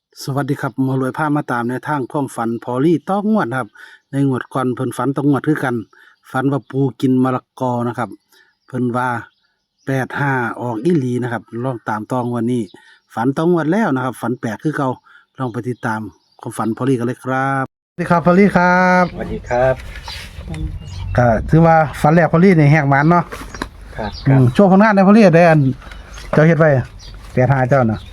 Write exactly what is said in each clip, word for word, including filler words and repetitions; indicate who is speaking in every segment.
Speaker 1: สวัสดีครับหมารวยพามาตามในวทางความฝันพอลี่ต้องงวดครับในงวดก่อนเพิ่นฝันต้องงวดคือกันฝันว่าปูกินมะละกอนะครับเพิ่นว่าแปดห้าออกอีหลีนะครับลองตามตองวันนี้ฝันต้องงวดแล้วนะครับฝันแปลกคือเก่าลองไปติดตามความฝันพอลี่กันเลยครับสวัสดีครับพอลี่ครับ
Speaker 2: สวัสดีครับ
Speaker 1: ก็ถือว่าฝันแรกพอลี่นี่แหกหมันเนาะ
Speaker 2: ครับ
Speaker 1: อื
Speaker 2: ครับ
Speaker 1: มโชว์ผลงานในพอลี่ได้อันเจ้าเฮ็ดไว้แปดห้าเจ้าน่ะ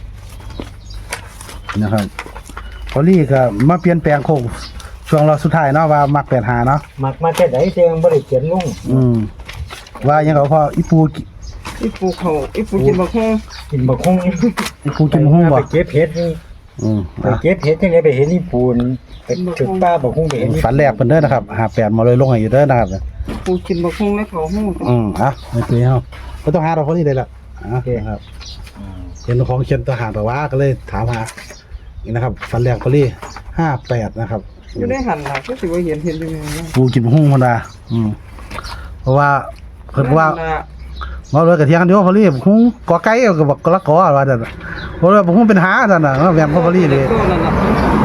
Speaker 1: นะครับพอลี่ก็มาเปลี่ยนแปลงโคงช่วงเราสุดท้ายเนาะว่ามักแปดหาเนาะ
Speaker 2: มักมาแต่ไหนเจียงบริเขียนลุง
Speaker 1: อืมว่ายังเขาพออีปูกิ
Speaker 3: อีปูเขาอีปูกินบักฮง
Speaker 2: กินบักคง
Speaker 1: อีปูกินหุ้งบ่
Speaker 2: ไปเก็บเห็ดนี่
Speaker 1: อืม
Speaker 2: ไป
Speaker 1: อ่ะ
Speaker 2: เก็บเห็ดที่ไหนไปเห็นนี่ปูนไปถึงป้าบักคงไปเห็นนี่
Speaker 1: ฝันแรกเพิ่นเด้อนะครับหาแปดมาเลยลงให้อยู่เด้อนะครับ
Speaker 3: ปูกินบักฮงแล้วเขาฮง
Speaker 1: อืมอ่ะไม่คุยเฮาบ่ต้องหาเราพอลี่ได้ละอ่ะนะครับเห็นของเขียนทหารแต่ว่าก็เลยถามหานี่นะครับฝันแรกพอลี่ห้าแปดนะครับ
Speaker 3: อยู่ได้หันหลังก็สิว่าเห็นเห็นยังไงนะ
Speaker 1: ปูกินหุ้งพุ่นน่ะอืมเพราะว่าเพิ่นว่า มาเลยกระเทียมกันเดียวพอลี่หุ้งกอไก่ก็บอกกละกอว่าซั่นน่ะเพราะว่าหุ้งเป็นหาซั่นน่ะแม่นพอลี่เลย
Speaker 3: ตัวนั่นน่ะ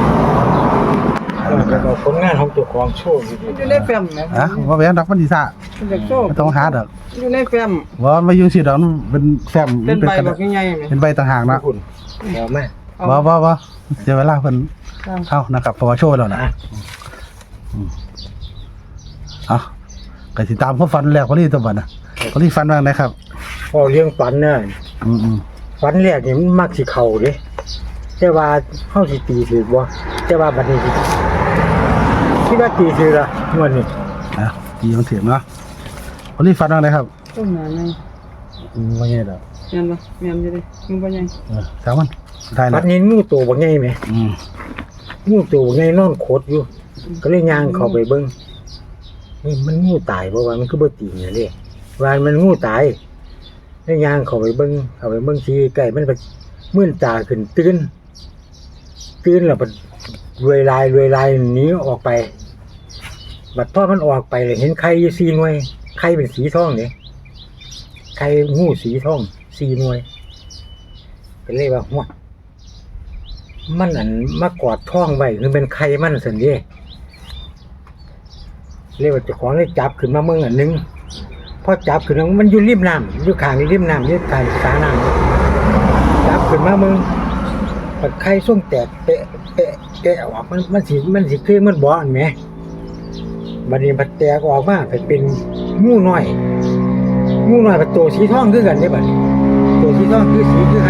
Speaker 2: แล้วก็ผลงานของตัวของโชว์อยู่ดี
Speaker 3: อยู่ในแฟ้มนะ
Speaker 1: ฮะว่าแม่นดอกมันสิซ่า
Speaker 3: มันจะโชค
Speaker 1: ไม่ต้องหาดอก
Speaker 3: อยู่ในแฟ้ม
Speaker 1: ว่ามายุ่งสิดอกมันเป็นแฟ้ม
Speaker 3: เป็นใบ
Speaker 1: กระ
Speaker 3: บั
Speaker 1: ดาก ษ
Speaker 3: ใหญ่ๆไหม
Speaker 1: เป็นใบต่างหากนะ
Speaker 2: คุณเดี๋ยวแม่
Speaker 1: ว่าว่าว่าเสียเวลาเพิ่นเข้านะครับเพราะว่าโชว์แล้วนะอืมเอ่ะก็สิตามเขาฝันแรกพอลี่ตัวบัดน่ะพอลี่ฝันว่าไงครับ
Speaker 2: พอเลี้ยงฝันน่ะ
Speaker 1: อืมอืม
Speaker 2: ฝันแรกนี่มันมักสิเข่าเด้แต่ว่าเฮาสิตีถือบ่แต่ว่าบัดนี้สิคิดว่าตีถือละงวดนี้
Speaker 1: อ่ะดีมันเถียงเนาะพอลี่ฝันว่าไงครับ
Speaker 3: ต้นหนาไง
Speaker 1: อืมว่าไงดอก
Speaker 3: เมียนบ่เมียนอยู่ดิมึงบ่ใหญ่
Speaker 1: เออถามมันได้
Speaker 2: บั
Speaker 1: แล้ว
Speaker 2: ดนี้งูตัวบ่ใหญ่แหม
Speaker 1: อืม
Speaker 2: งูตัวบ่ใหญ่นอนโคตรอยู่ ก็เลยย่างเข้าไปเบิ่งนี่มันงูตายบ่ว่ามันคือบ่ตีเนี่ยเด้ว่ามันงูตายเลยย่างเข้าไปเบิ่งเข้าไปเบิ่งสิใกล้มันก็มื่นตาขึ้นตื่นตื่นแล้วมันรวยลายรวยลายหนีออกไปบัดพอมันออกไปเลยเห็นไข่อยู่สี่หน่วยไข่เป็นสีทองนี่ไข่งูสีทองสี่หน่วยก็เลยว่าหัวมันอันมากอดท้องไว้คือเป็นไข่มันซั่นเด้เรียกว่าเจ้าของเลยจับขึ้นมาเมืองอันหนึงพอจับขึ้นมามันอยู่ริมน้ำอยู่ข้างริมน้ำอยู่ข้างสาน้ำจับขึ้นมาเมืองปัดไข่ส่งแตกเปะเปะเปะออกมันมันสิมันสิคือมันบ่อันแหมบัดนี้มันแตกออกมาเป็นงูน้อยงูน้อยเป็นตัวสีทองคือกันเด้บัดนี้ตัวสีทองคือสีคือไข่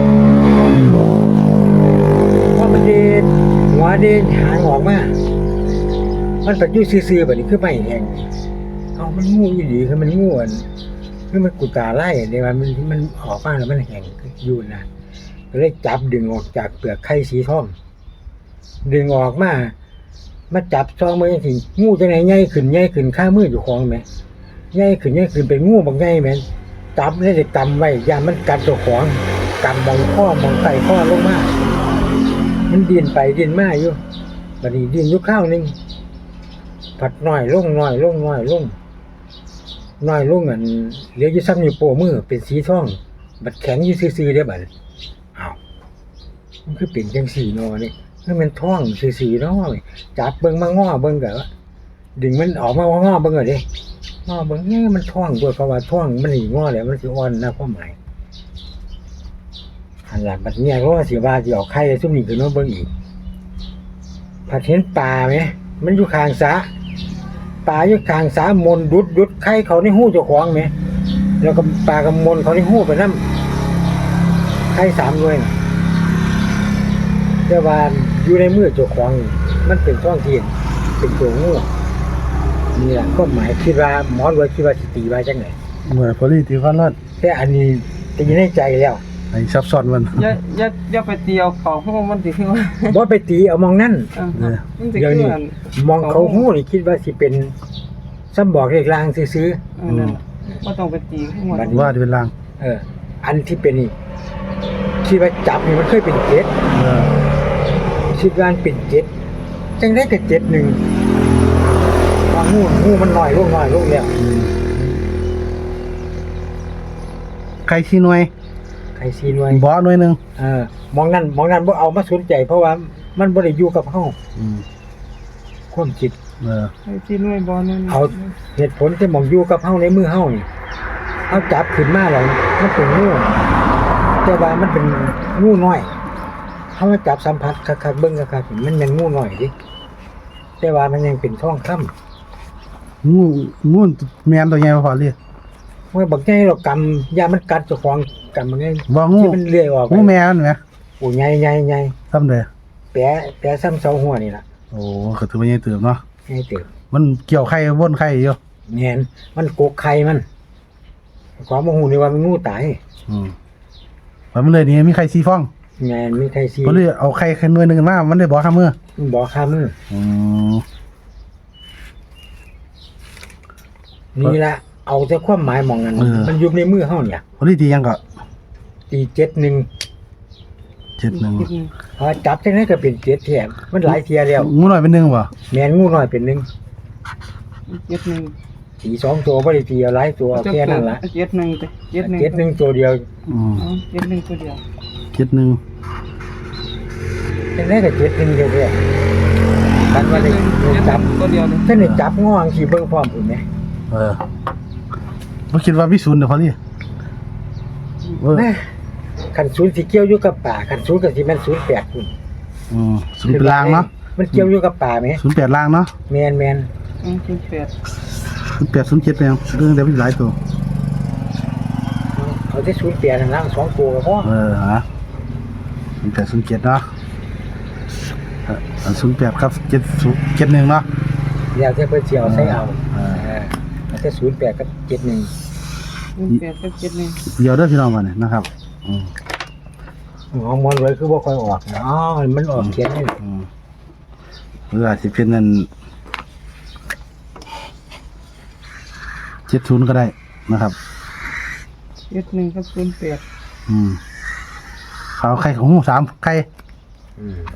Speaker 2: พอมันเดินหัวเดินหางออกมามันปัดอยู่ซื่อๆบัดนี้คือไม่แห้งเอามันงูอีหลีคือมันงูอันคือมันกุตาไล่เนี่ยว่ามันมันออกมาแล้วมันแห้งอยู่นะก็เลยจับดึงออกจากเปลือกไข่สีทองดึงออกมามาจับซองมือสิงูจังไหนใหญ่ขึ้นใหญ่ขึ้นข้ามืออยู่ของแม่ใหญ่ขึ้นใหญ่ขึ้นเป็นงูบางใหญ่แม่จับแล้วจะกำไว้อย่ามันกัดตัวของกำมองข้อมองไตข้อลงมามันดินไปดินมาอยู่บัดนี้ดินอยู่ข้าวนึงผัดน้อยลงน้อยลงน้อยลงน้อยลงอันเหลืออยู่ซ้ำอยู่โป้มือเป็นสีทองบัดแข็งอยู่ซื่อๆได้บัดอ้าวมันคือเป็นจังสี่นอนี่คือมันท้องซื่อๆเนาะจับเบิ่งมาง้อเบิ่งก็ดึงมันออกมาง้อเบิ่งก็ดิง้อเบิ่งเนี่ยมันท้องด้วยเพราะว่าท้องมันสิง้อแล้วมันสิอ่อนนะความหมายอันหลังบัดเนี่ยก็สิว่าสิเอาไข่ซุ่มนี้ขึ้นมาเบิ่งอีกผัดเห็นปลาไหมมันอยู่ข้างสระปลาอยู่ข้างสระมนดุดดุดไข่เขาในหู้เจ้าของไหมแล้วก็ปลากำมนเขาในหู้ไปนำไข่สามด้วยนะแต่ว่าอยู่ในมือเจ้าของมันเป็นท้องถิ่นเป็นตัวงูนี่แหละก็หมายคิดว่าหมอรวยคิดว่าสิตีไว้จังไหน
Speaker 1: เหมือนพอลี่ที่ฝันว่า
Speaker 2: แต่อันนี้ตีในใจแล้ว
Speaker 1: ไอ้ซับซ้อนมัน
Speaker 3: อย่าอย่าอย่าไปเตียวเขาฮงมันสิคือว่า
Speaker 2: บ่ไปตีเอามองนั่น
Speaker 3: เออมันสิ
Speaker 2: เดี๋ยว
Speaker 3: คือ
Speaker 2: นี้
Speaker 3: อัน
Speaker 2: มองเขาหูนี่คิดว่าสิเป็นซ้ำบอกเลขลางซื้อ
Speaker 3: เออนั่นบ่ต้องไปตีข้างมัน
Speaker 1: ว่าจะเป็นลาง
Speaker 2: ๆเออ อันที่เป็นนี่คิดว่าจับนี่มันเคยเป็นเจ็ด
Speaker 1: เออ
Speaker 2: คิดว่ามันเป็นเจ็ดจังได้ก็เจ็ดหนึ่งว่างูงูมันน้อยลงน้อยลงแล้ว
Speaker 1: ใครชี้หน่วย
Speaker 2: ใครให้สี่หน่วย
Speaker 1: บ่หน่วยหนึง
Speaker 2: เออมองนั่นมองนั่นบ่เอามาสนใจเพราะว่ามันบ่ได้อยู่กับเฮา
Speaker 1: อืม
Speaker 2: ความคิด
Speaker 1: เออ
Speaker 3: ไอ้ที่หน่วยบ่นั่น
Speaker 2: เอาเหตุผลที่มองอยู่กับเฮาในมือเฮานี่เฮาจับขึ้นมาแล้วมันเป็นงูแต่ว่ามันเป็นงูน้อยเฮามาจับสัมผัสคักๆเบิ่งคักๆมันเป็นงูน้อยดิแต่ว่ามันยังเป็นทองคำ
Speaker 1: งูงูแม่นตัวใหญ่บ่พอเลย
Speaker 2: เมื่อบักใหญ่เรากำยามันกัดเจ้าของกำมันไง
Speaker 1: บ่งู
Speaker 2: ที่มันเลื้อยออก
Speaker 1: งูแม่มันแหม
Speaker 2: โอ้ใหญ่ใหญ่ใหญ่
Speaker 1: ซ้ำเด้อ
Speaker 2: แปะแปะซ้ำเสาหัวนี่ล่ะ
Speaker 1: โอ้ก็ถือว่าใหญ่เติบเนาะ
Speaker 2: ใหญ่เติบ
Speaker 1: มันเกี่ยวไข่วนไข่อยู่
Speaker 2: แม่นมันกกไข่มันความโมโหนี่ว่ามันงูตาย
Speaker 1: อืมมันเลยนี่มีไข่สีฟอง
Speaker 2: แม่นมีไข่ซี
Speaker 1: ก็เลยเอาไข่ไข่หน่วยหนึงมามันได้บ่ค่ามือ
Speaker 2: มันบ่คามือ
Speaker 1: อืม
Speaker 2: นี่ล่ะเอาแต่ความหมายหมองนั้นมันอยู่ในมือเฮาเนี่ย
Speaker 1: พอดีตียังก็
Speaker 2: ตีเจ็ดหนึ่ง
Speaker 1: เจ็ดหนึ่ง
Speaker 2: พอจับจังได๋ก็เป็นเจ็ดแถมมันหลายเที่ยแล้ว
Speaker 1: งูหน่อยเป็นหนึ่งบ่
Speaker 2: แม่นงูน้อยเป็นหนึ่ง
Speaker 3: เจ็ดหนึ่ง
Speaker 2: ตีสองตัวบ่ได้ตีเอาหลายตัวเอาแค่นั้นล่ะ
Speaker 3: เจ็ดหนึ่งเจ็ดหนึ่ง
Speaker 2: เจ็ดหนึ่งตัวเดียว
Speaker 1: อืม
Speaker 3: เจ็ดหนึ่งตัวเดียว
Speaker 1: เจ็ดหนึ่ง
Speaker 2: จังได๋ก็เจ็ดหนึ่งเดียวแท้กันว่าได้จับ
Speaker 3: ตัวเดียวเลย
Speaker 2: ท่านได้จับง้อจังซี่เบิ่งพร้อมพุ่นแหม
Speaker 1: เออบ่คิดว่ามีศูนย์เด้อพอดีเออ
Speaker 2: แม่คันศูนย์สิเกี่ยวอยู่กับป่าคันศูนย์ก็สิแม่นศูนย์แปดพุ่น
Speaker 1: อืมศูนย์เป็นล่างเนาะ
Speaker 2: มันเกี่ยวอยู่กับป่าแหม
Speaker 1: ศูนย์แปดล่างเนาะ
Speaker 2: แม่นแม่น
Speaker 3: อืมแปด
Speaker 1: ศูนย์แปดศูนย์เจ็ดเป็นเรื่องเดียวมีหลายตัว
Speaker 2: เอาที่ศูนย์แปดนั่นล่างสองตัวก็พอ
Speaker 1: เออฮะศูนย์แปดศูนย์เจ็ดเนาะศูนย์แปดครับเจ็ดศูนย์เจ็ดหนึ่งเนาะ
Speaker 2: แล้วแต่เพิ่นสิเอาใส่เอา
Speaker 1: เออ
Speaker 2: เออเอาแต่ศูนย์แปดกับเจ็ดหนึ่ง
Speaker 3: แปดกับเจ็ดหนึ่ง
Speaker 1: เดี๋ยวเด้อพี่น้องมาเนี่ยนะครับอืม
Speaker 2: อ๋อมอนไว้คือบ่ค่อยออกนะอ๋อมันออกเขียนนี่
Speaker 1: อืมหรืออาจจะเป็นนั่นเจ็ดศูนย์ก็ได้นะครับ
Speaker 3: เจ็ดหนึ่งกับศูนย์แปด
Speaker 1: อืมเขาไข่ของหูสามไข่
Speaker 2: อืม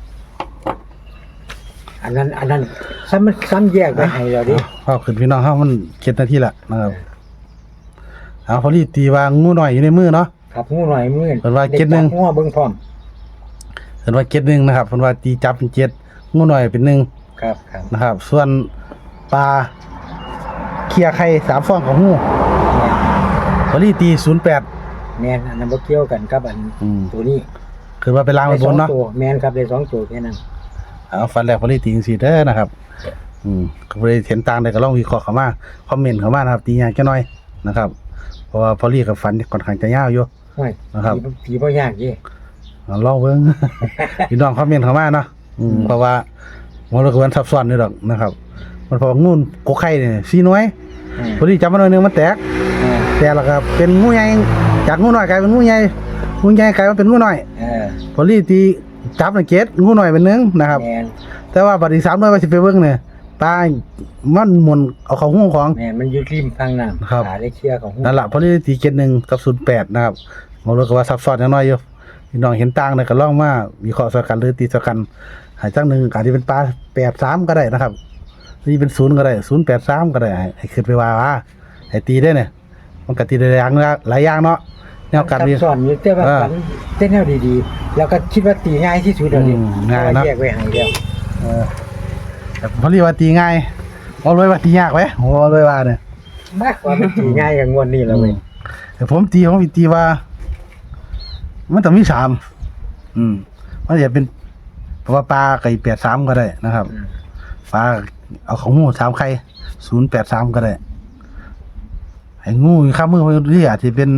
Speaker 2: อันนั้นอันนั้นซ้ำมันซ้ำแยกไว้ให้แล้วดิ
Speaker 1: พอขึ้นพี่น้องเขามันเจ็ดนาทีละนะครับเอาพอดีตีวางงูหน่อยอยู่ในมือเนาะ
Speaker 2: ครับงูหน่อยมื้อ
Speaker 1: เพิ่นว่าเจ็ดหนึ่ง
Speaker 2: งูเบิ่งพร้อม
Speaker 1: เห็นว่าเจ็ดหนึ่งนะครับเพิ่นว่าตีจับเป็นเจ็ดงูหน่อยเป็นหนึ่ง
Speaker 2: ครับครับ
Speaker 1: นะครับ ส่วนปลาเคลียร์ไข่สามฟองของหูพอดีตีศูนย์แปด
Speaker 2: แม่นอันนั้นบ่เกี่ยวกันกับอัน
Speaker 1: อืม
Speaker 2: ตัวนี้
Speaker 1: คือว่าเป็นลางไปบนเนาะ
Speaker 2: ได้สองตัวแม่นครับได้สองตัวแค่นั้น
Speaker 1: เอาฟันแรกพอดีตีจังซี่เด้อนะครับ อืมก็บ่ได้เห็นต่างใดก็ลองวิเคราะห์เข้ามาคอมเมนต์เข้ามานะครับ ตียากแค่น้อยนะครับ เพราะว่าพอลีกับฟันค่อนข้างจะยาวอยู่
Speaker 2: โอ้ย
Speaker 1: นะครับ
Speaker 2: ผีผีบ่ยากเด้
Speaker 1: เอาลองเบิ่ง พี่น้องคอมเมนต์เข้ามาเนาะอืมเพราะว่ามันก็มันซับซ้อนอยู่ดอกนะครับ มันเพราะว่างูกกไข่นี่สี่หน่วย
Speaker 2: อืม
Speaker 1: พอดีจับมาหน่อยหนึงมันแตก
Speaker 2: เออ
Speaker 1: แตกแล้วก็เป็นงูใหญ่จากงูน้อยกลายเป็นงูใหญ่งูใหญ่กลายมาเป็นงูน้อย
Speaker 2: เออ
Speaker 1: พอลีตีจับน่ะเจ็ดงูน้อยเป็นหนึ่งนะครับ
Speaker 2: แม่น
Speaker 1: แต่ว่าบัดนี้สามหน่วยว่าสิไปเบิ่งเนี่ยปลามันหมุนเอาเข้าหูของ
Speaker 2: แม่นมันอยู่ริมทางน้ำ
Speaker 1: ครับ
Speaker 2: หาได้เคลียร์ของหู
Speaker 1: นั่นแหละพอดีตีเจ็ดหนึ่งกับศูนย์แปดนะครับมองดูก็ว่าซับซ้อนอย่างน้อยอยู่พี่น้องเห็นต่างเนี่ยก็ลองมาวิเคราะห์สกันหรือตีสกันหายจังหนึ่งอาจจะเป็นปลาแปดสามก็ได้นะครับนี่เป็นศูนย์ก็ได้ศูนย์แปดสามก็ได้ให้ให้ขึ้นไปว่าว่าให้ตีได้เนี่ยมันก็ตีได้หลายอย่างนะหลายอย่างเนาะแนวการ
Speaker 2: ซับ
Speaker 1: เรียน
Speaker 2: ซ้อนอยู่แต่ว่า
Speaker 1: เออ
Speaker 2: ฝันแต่แนวดีๆ แล้วก็คิดว่าตีง่ายที่สุดแล้วนี่
Speaker 1: อืมง่ายเนอะ
Speaker 2: เพระว่แยกไว้ให้แล้ว
Speaker 1: เออแต่พอดีว่าตีง่ายเอาเลยว่าตียากไหมโอ้เลยว่าเนี่ย
Speaker 2: มากกว่ามันตีง่ายกับงวดนี้แล้วเว้ย
Speaker 1: แต่ผมตีผมตีว่า มันต้องมีสามอืมมันจะเป็นเพราะว่าปลาไก่แปดสามก็ได้นะครับ
Speaker 2: อืม
Speaker 1: ปลาเอาของงูสามไข่ศูนย์แปดสามก็ได้ไอ้งูข้ามมือไปเรียกที่เป็น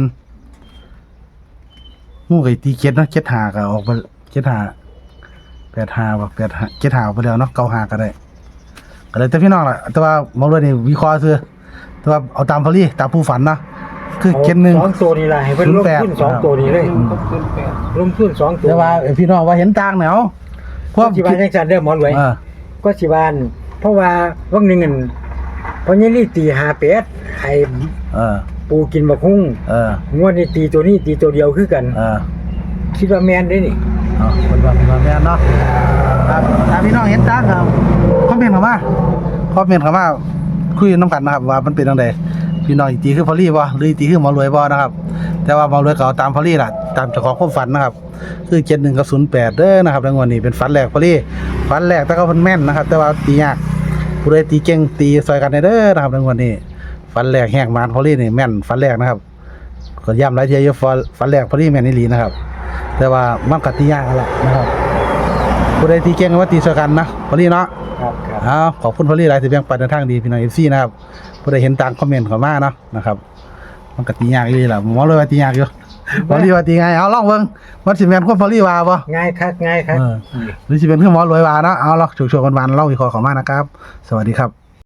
Speaker 1: งูไก่ตีเจ็ดเนาะเจ็ดหาก็ออกไปเจ็ดหาแปดหาแบบแปดหาเจ็ดหาไปแล้วเนาะเก้าหาก็ได้ก็เลยแต่พี่น้องล่ะแต่ว่ามองเลยนี่วิเคราะห์ซื้อแต่ว่าเอาตามพอลี่ตามผู้ฝันนะคือเจ็ดหนึ่ง
Speaker 2: สองตัวนี้ล่ะให้เพิ่นลงทุนสองตัวนี้เลย
Speaker 3: หนึ่งกับศูนย์แปด
Speaker 2: ลงทุนสองตัว
Speaker 1: แต่ว่าพี่น้องว่าเห็นต่างแนวพวก
Speaker 2: สิว่าจังซั่นเด้อหมอนไว้
Speaker 1: เออ
Speaker 2: ก็สิว่าอั่นเพราะว่าวันหนึงอั่นพอนี่ลีตีห้าแปดให้
Speaker 1: เออ
Speaker 2: ปูกินบักฮุ้ง
Speaker 1: เออง
Speaker 2: วดนี้ตีตัวนี้ตีตัวเดียวคือกัน
Speaker 1: เออ
Speaker 2: คิดว่าแม่นได้นี่
Speaker 1: เอาคนว่าคนว่าแม่นเนาะครับถ้าพี่น้องเห็นต่างครับคอมเมนต์เข้ามาคอมเมนต์เข้ามาคุยน้ำกันนะครับว่ามันเป็นจังไดพี่น้องอีตีคือพอลี่บ่หรืออีตีคือหมอรวยบ่นะครับแต่ว่าหมอรวยก็เอาตามพอลี่ล่ะตามเจ้าของความฝันนะครับคือเจ็ดหนึ่งกับศูนย์แปดเด้อนะครับในงวดนี้เป็นฝันแรกพอลี่ฝันแรกแต่ก็เพิ่นแม่นนะครับแต่ว่าตียากผู้ใดตีเก่งตีซอยกันได้เด้อนะครับในงวดนี้ฝันแรกแหกมานพอลี่นี่แม่นฝันแรกนะครับก็ย้ำหลายเที่ยอยู่ฝันแรกพอลี่แม่นอีหลีนะครับแต่ว่ามันก็ตียากนั่นแหละนะครับผู้ใดตีเก่งก็ว่าตีซอยกันนะพอลี่เนาะ
Speaker 2: ครับครับ
Speaker 1: อ้าวขอบคุณพอลี่หลายที่แบ่งปันในทางดีพี่น้อง เอฟ ซี นะครับผู้ใดเห็นต่างคอมเมนต์เข้ามาเนาะนะครับมันก็ตียากอีหลีล่ะหมอเลยว่าตียากอยู่พอลี่ว่าตีง่ายเอาลองเบิ่งมันสิแม่นความพอลี่ว่าบ่
Speaker 2: ง่ายคักง่ายคัก
Speaker 1: เออหรือสิเป็นคือหมอรวยว่าเนาะเอาลองโชว์ๆกันๆเล่าวิเคราะห์เข้ามานะครับสวัสดีครับ